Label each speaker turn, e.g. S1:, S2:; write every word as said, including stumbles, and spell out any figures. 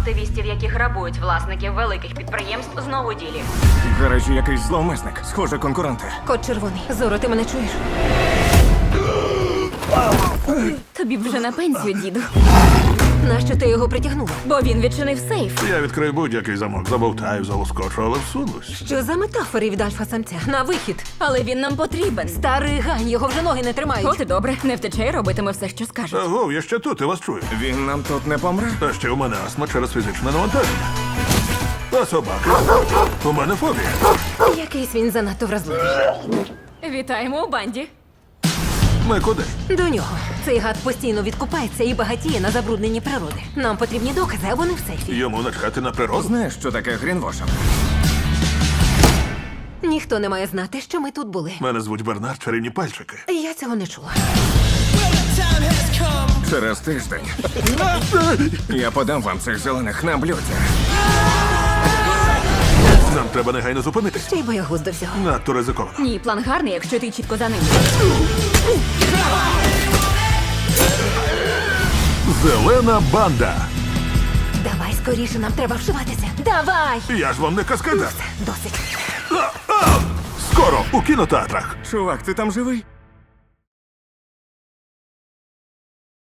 S1: активістів, які грабують власників великих підприємств, знову ділі.
S2: В гаражі якийсь зловмисник. Схоже, конкуренти.
S3: Кот червоний. Зоро, ти мене чуєш?
S4: Тобі б вже на пенсію, діду.
S3: Нащо ти його притягнула?
S4: Бо він відчинив сейф.
S5: Я відкрию будь-який замок, забовтаю, залоскочу, але всунусь.
S3: Що за метафори від альфа-самця? На вихід.
S4: Але він нам потрібен.
S3: Старий гань, його вже ноги не тримають.
S4: От і добре, не втече і робитиме все, що скаже.
S5: Аго, я ще тут, я вас чую.
S2: Він нам тут не помре.
S5: Та ще у мене астма через фізичне навантаження. А собаки? У мене фобія.
S3: Якийсь він занадто вразливий.
S4: Вітаємо у банді.
S5: Ми куди?
S3: До нього. Цей гад постійно відкупається і багатіє на забрудненні природи. Нам потрібні докази, а вони в сейфі.
S5: Йому начхати на природу?
S2: Знаєш, що таке грінвошинг?
S3: Ніхто не має знати, що ми тут були.
S5: Мене звуть Бернард, чарівні пальчики.
S3: Я цього не чула.
S2: Через тиждень я подам вам цих зелених на блюді.
S5: Нам треба негайно зупинитись.
S3: Ще й боягуз до всього.
S5: Надто ризиковано.
S4: Ні, план гарний, якщо ти чітко за ним.
S5: Зелена банда.
S3: Давай скоріше, нам треба вшиватися. Давай!
S5: Я ж вам не каскадер.
S3: Досить.
S5: Скоро у кінотеатрах.
S2: Чувак, ти там живий?